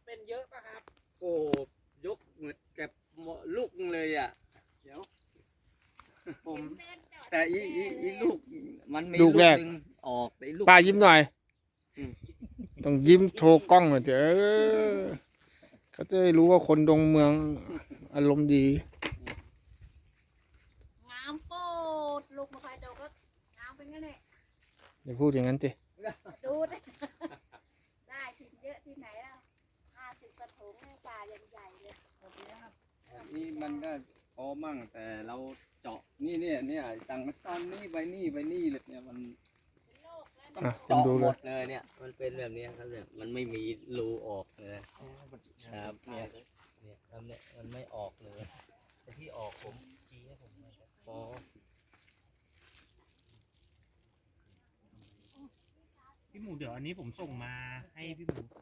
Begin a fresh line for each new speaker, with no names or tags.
เป็นเยอะป่ะครับ
โอ้ยกเหมือนแก็บลูกเลยอ่ะ
เดี๋ยวผม
แต่อีลูกมันมี
ลูกแรก
หนึ่งออกไอ้ลูก
ป้ายิ้มหน่อย
อืม
ต้องยิ้มโชว์กล้องหน่อยเถอะเขาจะได้รู้ว่าคนดงเมืองอารมณ์ดี
งามโปดลูกมาคอยดูก็งามเป็นงั้นแหละ
อย่าพูดอย่างนั้นสิ
ดูได้ได้ทิ้งเยอะที่ไหนแล้ว50 กระถงในป่าใหญ่ๆเลย
นี่มันก็พอมั่งแต่เราเจาะเนี่ยต่างมันตอนนี้ไปนี่เลยเนี่ยมัน
เป็นโรคแล้ว
ต้อง
อ่ะ
เจาะ
ดู
ห
เล
ม
ย
ดเลยเนี่ย มันเป็นแบบนี้ครับเนี่ยมันไม่มีรูออกเลยครับเนี่ยครับเนี่ยมันไม่ออกเลยแต่ที่ออกผมชี้ให้ผมหน่อยครับอ๋อ
พี่หมูเดี๋ยวอันนี้ผมส่งมาให้พี่หมู